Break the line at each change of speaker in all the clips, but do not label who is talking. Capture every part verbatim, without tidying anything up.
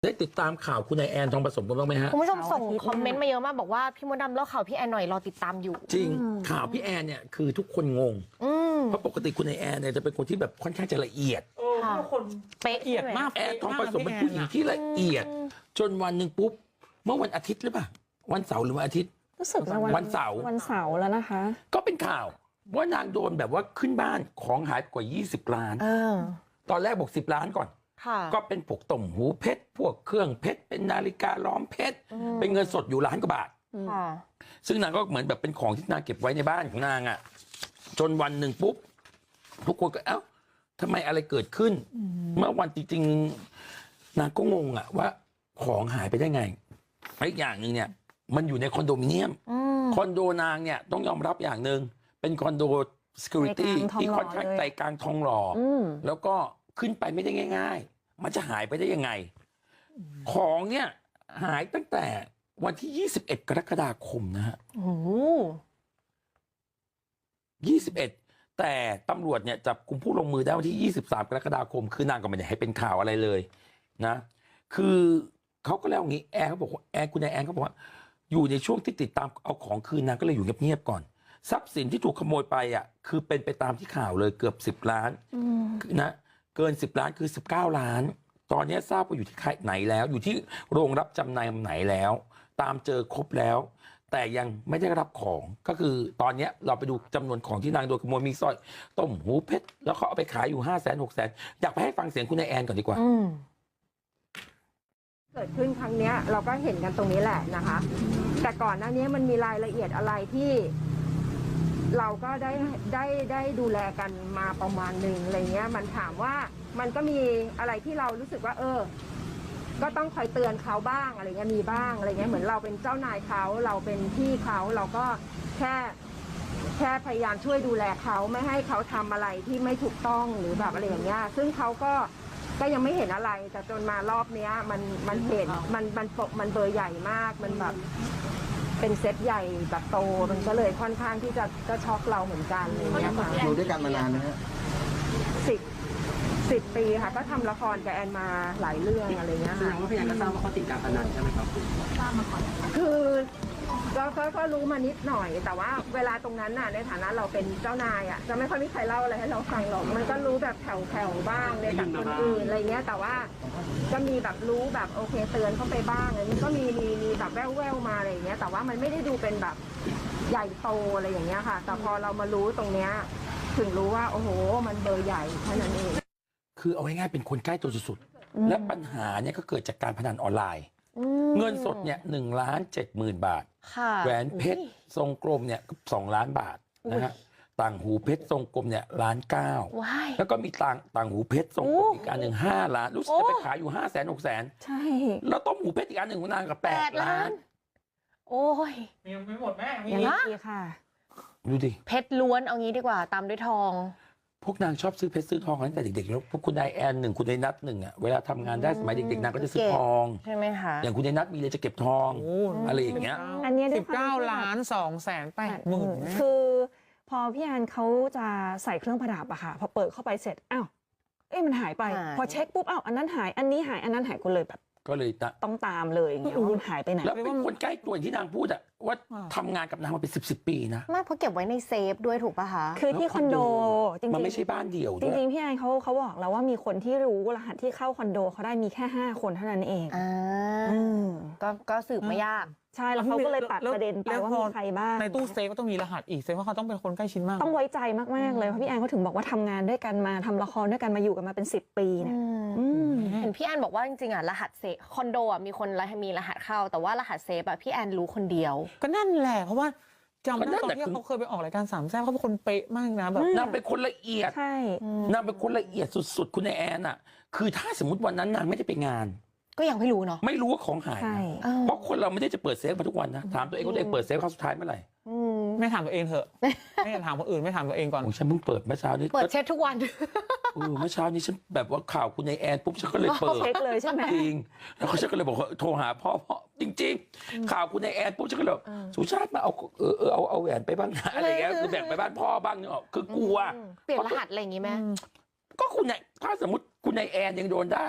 ได้ติดตามข่าวคุณนายแอนทองผสมกันบ้างไหมฮะ
คุณผู้ชมส่งคอมเมนต์มาเยอะมากบอกว่าพี่มดดำเล่าข่าวพี่แอนหน่อยรอติดตามอยู่
จริงข่าวพี่แอนเนี่ยคือทุกคนงงเพราะปกติคุณนายแอนเนี่ยจะเป็นคนที่แบบค่อนข้างจะละเอียด
ทุกคน
เป๊ะ
ละเอียดมาก
แอนทองผสมเป็นผู้หญิงที่ละเอียดจนวันหนึ่งปุ๊บเมื่อวันอาทิตย์หรือเปล่าวันเสาร์หรือวันอาทิตย์
รู้สึกว่า
วันเสาร์
วันเสาร์แล้วนะคะ
ก็เป็นข่าวว่านางโดนแบบว่าขึ้นบ้านของหายกว่ายี่สิบล้านตอนแรกบอกสิบล้านก่อนก็เป็นพวกต่มหูเพชรพวกเครื่องเพชรเป็นนาฬิกาล้อมเพชรเป็นเงินสดอยู่ล้านกว่าบาทซึ่งนางก็เหมือนแบบเป็นของที่นางเก็บไว้ในบ้านของนางอ่ะจนวันหนึ่งปุ๊บทุกคนก็เอ้าทำไมอะไรเกิดขึ้นเมื่อวันจริงๆนางก็งงอ่ะว่าของหายไปได้ไงอีกอย่างหนึ่งเนี่ยมันอยู่ในคอนโดมิเนียมคอนโดนางเนี่ยต้องยอมรับอย่างหนึ่งเป็นคอนโด security ที่ค่อนข้างใจกลางทองหล่อแล้วก็ขึ้นไปไม่ได้ง่ายๆมันจะหายไปได้ยังไงของเนี่ยหายตั้งแต่วันที่ยี่สิบเอ็ดกรกฎาคมนะฮะโอ้ยี่สิบเอ็ดแต่ตำรวจเนี่ยจับกลุ่มผู้ลงมือได้วันที่ยี่สิบสามกรกฎาคมคือนางก็ไม่ได้ให้เป็นข่าวอะไรเลยนะคือเขาก็แล้วอย่างนี้แอร์เขาบอกว่าแอร์คุณนายแอร์เขาบอกว่าอยู่ในช่วงที่ติดตามเอาของคืนนางก็เลยอยู่เงียบๆก่อนทรัพย์สินที่ถูกขโมยไปอ่ะคือเป็นไปตามที่ข่าวเลยเกือบสิบล้านนะเกินสิบล้านคือสิบเก้าล้านตอนนี้ทราบว่าอยู่ที่ใครไหนแล้วอยู่ที่โรงรับจำนำไหนแล้วตามเจอครบแล้วแต่ยังไม่ได้รับของก็คือตอนนี้เราไปดูจำนวนของที่นางโดนขโมยมีสร้อยต้มหูเพชรแล้วเขาเอาไปขายอยู่ห้าแสนหกแสนอยากไปให้ฟังเสียงคุณนายแอนก่อนดีกว่า
เกิดขึ้นครั้งนี้เราก็เห็นกันตรงนี้แหละนะคะแต่ก่อนหน้านี้มันมีรายละเอียดอะไรที่เราก็ได้ได้ได้ดูแลกันมาประมาณหนึ่งอะไรเงี้ยมันถามว่ามันก็มีอะไรที่เรารู้สึกว่าเออก็ต้องคอยเตือนเขาบ้างอะไรเงี้ยมีบ้างอะไรเงี้ยเหมือนเราเป็นเจ้านายเขาเราเป็นพี่เขาเราก็แค่แค่พยายามช่วยดูแลเขาไม่ให้เขาทำอะไรที่ไม่ถูกต้องหรือแบบอะไรอย่างเงี้ยซึ่งเขาก็ก็ยังไม่เห็นอะไรแต่จนมารอบเนี้ยมันมันเห็นมันมันมันเบอร์ใหญ่มากมันแบบเป็นเซตใหญ่แบบโตมันก็เลยค่อนข้างที่จะก็ช็อกเราเหมือนกันอะไรเงี้ยค่ะ
อยู่ด้วยกันมานานนะฮะ
สิบสิบปีค่ะก็ทำละครกับแอนมาหลายเรื่องอะไรเงี้ยค่ะแสดงว่าพี่แอนก็ทราบว่าเขาติดการพนันใช่ไหมครับทราบมาก่อนคือก็ก็ก็รู้มานิดหน่อยแต่ว่าเวลาตรงนั้นน่ะในฐานะเราเป็นเจ้านายอ่ะจะไม่ค่อยมีใครเล่าอะไรให้เราฟังหรอกมันก็รู้แบบแผ่วๆบ้างในจากคนอื่นอะไรเงี้ยแต่ว่าก็มีแบบรู้แบบโอเคเตือนเข้าไปบ้างอะไรนี้ก็มีมีมีแบบแว่วๆมาอะไรเงี้ยแต่ว่ามันไม่ได้ดูเป็นแบบใหญ่โตอะไรอย่างเงี้ยค่ะแต่พอเรามารู้ตรงเนี้ยถึงรู้ว่าโอ้โหมันเบอร์ใหญ่แค่นั้นเอง
คือเอาง่ายๆเป็นคนใกล้ตัวสุดๆและปัญหาเนี่ยก็เกิดจากการพนันออนไลน์เงินสดเนี่ยหนึ่งล้านเจ็ดหมื่นบาทแหวนเพชรทรงกลมเนี่ยสองล้านบาทนะฮะต่างหูเพชรทรงกลมเนี่ยล้านเก้าแล้วก็มีต่างต่างหูเพชรทรงกลมอีกอันหนึ่งห้าล้านรู้สึกจะไปขายอยู่ห้าแสนหกแสน
ใช่
แล้วต้มหูเพชรอีกอันหนึ่งของนางกับแปดล้าน
โอ้ย
ยังไม่หมดแม่
มีอีกค่ะ
ดูดิ
เพชรล้วนเอางี้ดีกว่าตามด้วยทอง
พวกนางชอบซื้อเพชรซื้อทองตั้งแต่เด็กๆแล้วพวกคุณนายแอนหนึ่งคุณนายนัทหนึ่งอ่ะเวลาทำงานได้สมัยเด็กๆนางก็จะซื้อทอง
ใช่ไหมคะ
อย่างคุณนายนัทมีเลยจะเก็บทองอะไรอย่างเงี้ย
อันนี้
สิบเก้าล้านสองแสนแปดหมื่น
คือพอพี่แอนเขาจะใส่เครื่องประดับอะค่ะพอเปิดเข้าไปเสร็จอ้าวเอ๊ะมันหายไปพอเช็คปุ๊บอ้าวอันนั้นหายอันนี้หายอันนั้นหายก็เลยแบบ
ก็เลย
ต้องตามเลยอย่างเงี้ยว่ามันหายไปไหน
แล้วเป็นคนใกล้ตัวที่นางพูดอะว่าทำงานกับนางมาเป็นสิบสิบปีนะ
ไม่เพราะเก็บไว้ในเซฟด้วยถูกป่ะคะ
คือที่คอนโด
จริงๆมันไม่ใช่บ้านเดี่ยว
จริงๆพี่แอนเขาเขาบอกแล้วว่ามีคนที่รู้รหัสที่เข้าคอนโดเขาได้มีแค่ห้าคนเท่านั้นเอง
อ่าก็ก็สืบไม่ยาก
ใช่แล้วเขาก็เลยตัดประเด็นไปว่ามีใครบ้าง
ในตู้เซฟก็ต้องมีรหัสอีกเซฟว่าเขาต้องเป็นคนใกล้ชิดมาก
ต้องไว้ใจมากๆเลยเพราะพี่แอนเขาถึงบอกว่าทำงานด้วยกันมาทำละครด้วยกันมาอยู่กันมาเป็นสิบปีเนี่ย
เห็นพี่แอนบอกว่าจริงๆอ่ะรหัสเซฟคอนโดอ่ะมีคนมีรหัสเข้าแต่ว่ารหัสเซฟอ่ะพี่แอนรู้คนเดียว
ก็นั่นแหละเพราะว่าจำได้ตอนที่เขาเคยไปออกรายการสามแซ่บเขาเป็นคนเป๊ะมากนะแบบ
นางเป็นคนละเอียด
ใช่
นางเป็นคนละเอียดสุดๆคุณนายแอนอ่ะคือถ้าสมมติวันนั้นนางไม่ได้ไปงาน
ก็ยังไม่รู้เนาะ
ไม่รู้ว่าของหายเพราะคนเราไม่ได้จะเปิดเซฟมาทุกวันนะถามตัวเองว่าตัวเองเปิดเซฟครั้งสุดท้ายเมื่อไหร่
ไม่ถามตัวเองเถอะไม่ถามคนอื่นไม่ถามตัวเองก่อน
ฉันเพิ่งเปิดเมื่อเช้านี้
เปิดเช็คทุกวัน
เออเมื่อเช้านี้ฉันแบบว่าข่าวคุณนายแอนปุ๊บฉันก็เลยเปิด
เช็คเลยใช่ไหม
จริงแล้วฉันก็เลยบอกโทรหาพ่อพ่อจริงๆข่าวคุณนายแอนปุ๊บฉันก็เลยสุชาติมาเอาเออเออเอาเอาแหวนไปบ้างอะไรเงี้ยคือแบ่งไปบ้านพ่อบ้างเนาะคือกลัว
เปลี่ยนรหัสอะไรอย่างงี้ไหม
ก็คุณนายถ้าสมมติคุณนายแอนยังโดนได้อ่ะ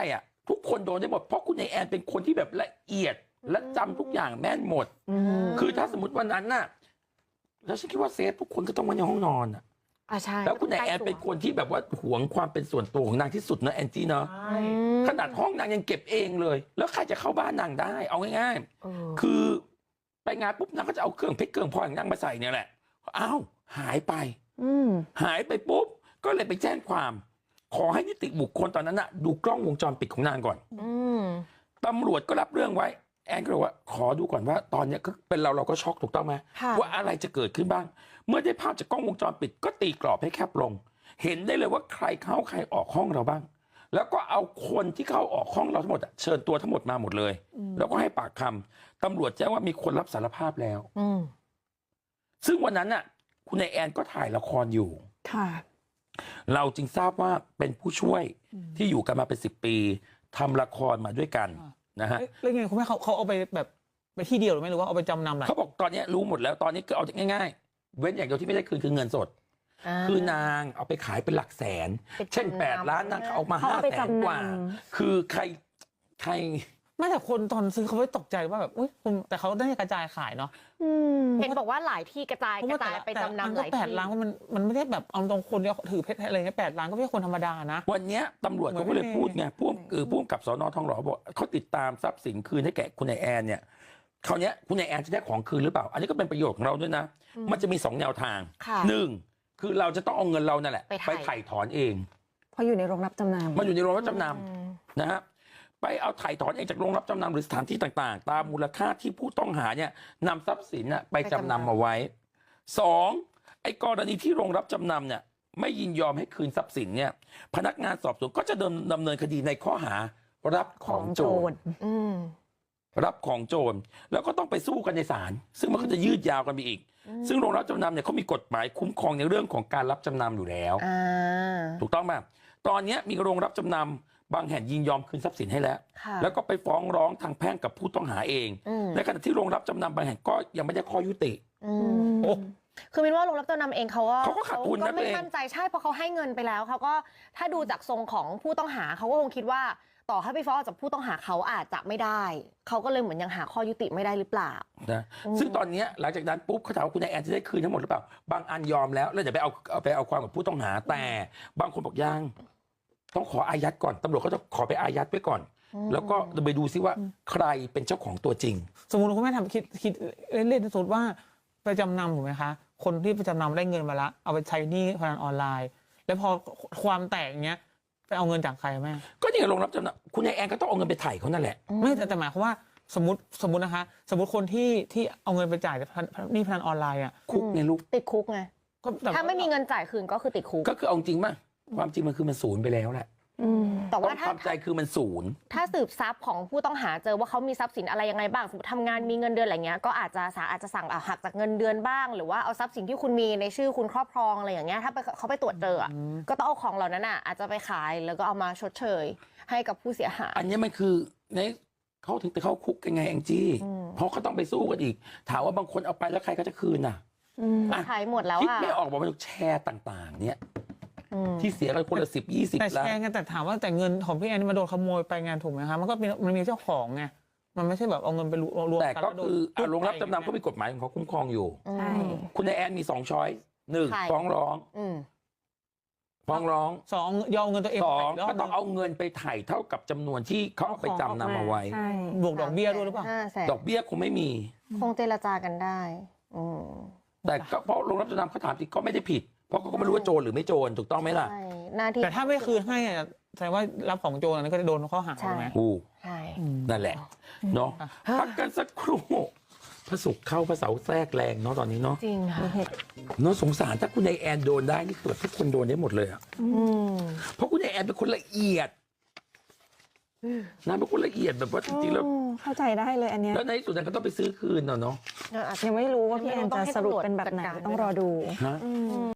ทุกคนโดนได้หมดเพราะคุณนายแอนเป็นคนที่แบบละเอียดและจำทุกอย่างแม่นหมดคือถ้าสมมติวันนั้นน่ะแล้วฉันคิดว่าเซฟทุกคนก็ต้องไว้ในห้องนอนอ่ะ
อ่าใช่
แล้วคุณนายแอนเป็นคนที่แบบว่าหวงความเป็นส่วนตัวของนางที่สุดนะแอนจี้เนาะขนาดห้องนางยังเก็บเองเลยแล้วใครจะเข้าบ้านนางได้เอาง่ายๆคือไปงานปุ๊บนางก็จะเอาเครื่องเพชรเครื่องพลอยของนางมาใส่เนี่ยแหละอ้าวหายไปหายไปปุ๊บก็เลยไปแจ้งความขอให้นิติบุคคลตอนนั้นน่ะดูกล้องวงจรปิดของนางก่อนตำรวจก็รับเรื่องไว้แอนก็เลยว่าขอดูก่อนว่าตอนนี้ก็เป็นเราเราก็ช็อกถูกต้องไหมว่าอะไรจะเกิดขึ้นบ้างเมื่อได้ภาพจากกล้องวงจรปิดก็ตีกรอบให้แคบลงเห็นได้เลยว่าใครเข้าใครออกห้องเราบ้างแล้วก็เอาคนที่เข้าออกห้องเราทั้งหมดเชิญตัวทั้งหมดมาหมดเลยแล้วก็ให้ปากคำตำรวจแจ้งว่ามีคนรับสารภาพแล้วซึ่งวันนั้นน่ะคุณนายแอนก็ถ่ายละครอยู่ค่ะเราจึงทราบว่าเป็นผู้ช่วยที่อยู่กันมาเป็นสิบปีทำละครมาด้วยกันนะฮะ
แล้วไงคุณแม่เขาเขาเอาไปแบบไปที่เดียวหรือไม่หรือว่าเอาไปจำนำอะไร
เขาบอกตอนนี้รู้หมดแล้วตอนนี้คือเอาง่ายๆเว้นอย่างเดียวที่ไม่ได้คืนคือเงินสดคือนางเอาไปขายเป็นหลักแสนเช่นแปดล้านนางเอามาห้าแสนกว่าคือใครใคร
ไม่แต่คนตอนซื้อเขาไม่ตกใจว่าแบบอุ้ยแต่เขาได้กระจายขายเนาะ
เห็นบอกว่าหลายที่กระจายกระจายไปจำนำหลายที่
แปดล้านมันมันไม่ได้แบบเอาตรงคนที่ถือเพชรอะไรเงี้ยแปดล้านก็ไม่ใช่คนธรรมดานะ
วันนี้ตำรวจเขาก็เลยพูดไงพวกคือพวกกับสน.ทองหล่อบอกเขาติดตามทรัพย์สินคืนให้แก่คุณนายแอนเนี่ยคราวนี้คุณนายแอนจะได้ของคืนหรือเปล่าอันนี้ก็เป็นประโยชน์ของเราด้วยนะมันจะมีสองแนวทางหนึ่งคือเราจะต้องเอาเงินเรานั่นแหละไปไถ่ถอนเอง
เพราะอยู่ในโรงรับจำนำ
มันอยู่ในโรงรับจำนำนะฮะไปเอาไถ่ถอนเองจากโรงรับจำนำหรือสถานที่ต่างๆตามมูลค่าที่ผู้ต้องหาเนี่ยนำทรัพย์สินไปจำนำมาไว้สองไอ้กรณีที่โรงรับจำนำเนี่ยไม่ยินยอมให้คืนทรัพย์สินเนี่ยพนักงานสอบสวนก็จะดำดำเนินคดีในข้อหารับของโจรรับของโจรแล้วก็ต้องไปสู้กันในศาลซึ่งมันก็จะยืดยาวกันไปอีกซึ่งโรงรับจำนำเนี่ยเขามีกฎหมายคุ้มครองในเรื่องของการรับจำนำอยู่แล้วถูกต้องไหมตอนนี้มีโรงรับจำนำบางแห่งยินยอมคืนทรัพย์สินให้แล้วแล้วก็ไปฟ้องร้องทางแพ่งกับผู้ต้องหาเองในขณะที่โรงรับจำนำบางแห่งก็ยังไม่ได้ข้อยุติ
โอ้คือมินว่าโรงรับจำนำเองเขาก็
เขาก็ขาดทุนนะ
ไม่มั่นใจใช่เพราะเขาให้เงินไปแล้วเขาก็ถ้าดูจากทรงของผู้ต้องหาเขาก็คงคิดว่าต่อให้ไปฟ้องจากผู้ต้องหาเขาอาจจะไม่ได้เขาก็เลยเหมือนยังหาข้อยุติไม่ได้หรือเปล่า
นะซึ่งตอนนี้หลังจากนั้นปุ๊บเขาถามว่าคุณนายแอนจะได้คืนทั้งหมดหรือเปล่าบางอันยอมแล้วแล้วเดี๋ยวไปเอาเอาไปเอาความกับผู้ต้องหาแต่บางคนบอกยังต้องขออายัดก่อนตำรวจก็จะขอไปอายัดไว้ก่อนแล้วก็ไปดูซิว่าใครเป็นเจ้าของตัวจริง
สมมุติคุณแม่ทำคิดคิดเล่นๆสมมติว่าไปจำนำถูกไหมคะคนที่ไปจำนำได้เงินมาละเอาไปใช้หนี้พนันออนไลน์แล้วพอความแตกอย่างเงี้ยไปเอาเงินจากใครแม่
ก็นี่โรงรับจำนำคุณนายแอนก็ต้องเอาเงินไปไถ่เขานั่นแหละ
ไม่แต่แต่หมายความว่าสมมติสมมตินะคะสมมติคนที่ที่เอาเงินไปจ่ายหนี้พนันออนไลน์อ่ะ
คุกไงลูก
ติดคุกไงถ้าไม่มีเงินจ่ายคืนก็คือติดคุก
ก็คือเอาจริงมั้ยความจริงมันคือมันศูนย์ไปแล้วแหละ
แต่ว่า
ถ้าความใจคือมันศูนย์
ถ้าสืบทรัพย์ของผู้ต้องหาเจอว่าเขามีทรัพย์สินอะไรยังไงบ้างสมมติทำงานมีเงินเดือนอะไรเงี้ยก็อาจจะศาลอาจจะสั่งหักจากเงินเดือนบ้างหรือว่าเอาทรัพย์สินที่คุณมีในชื่อคุณครอบครองอะไรอย่างเงี้ยถ้าไปเขาไปตรวจเจอก็ต้องเอาของเหล่านั้นอ่ะอาจจะไปขายแล้วก็เอามาชดเชยให้กับผู้เสียหาย
อันนี้มันคือในเขาถึงไปเข้าคุกกันไงแองจี้เพราะเขาต้องไปสู้กันอีกถามว่าบางคนเอาไปแล้วใครก็จะคืนน่ะ
ขายหมดแล้ว
อ่ะคิดไม่ออกบอกว่าแชร์ต่างๆเนี่ยที่เสียกันคนละสิบยี่สิบ
ล้านแต่แชร์กันแต่ถามว่าแต่เงินของพี่แอนมาโดนขโมยไปงานถูกไหมคะมันก็มันมีเจ้าของไงมันไม่ใช่แบบเอาเงินไปรวม
แต่ก็คือโรงรับจำนำเขามีกฎหมายของเขาคุ้มครองอยู่คุณนายแอนมีสองช้อยหนึ่งฟ้องร้องฟ้องร้อง
สองยอมเงินตัวเอง
สองก็ต้องเอาเงินไปไถ่เท่ากับจำนวนที่เขาเอาไปจำนำเอาไว้
บวกดอกเบี้ยด้วยหรือเปล่า
ดอกเบี้ยคงไม่มี
คงเจรจากันได้
แต่ก็เพราะโรงรับจำนำเขาถามจริงก็ไม่ได้ผิดเพราะเขาก็ไม่รู้ว่าโจรหรือไม่โจรถูกต้องไหมล่ะ
แต่ถ้าไม่คืนให้แสดงว่ารับของโจรนั้นก็จะโดนข้อหาใช่ไหม
ใช่นั่นแหละเนาะพักกันสักครู่พระศุกร์เข้าพระเสาร์แทรกแรงเนาะตอนนี้เนาะ
จริงค่ะ
เนาะสงสารถ้าคุณนายแอนโดนได้นี่คือทุกคนโดนได้หมดเลยอ่ะเพราะคุณนายแอนเป็นคนละเอียดนางเป็นคนละเอียดแบบว่าจริงๆแล้ว
เข้าใจได้เลยอันเนี้ย
แล้วในที่สุดนางก็ต้องไปซื้อคืนเนาะ
ยังไม่รู้ว่าพี่แอนจะสรุปเป็นแบบไหนต้องรอดู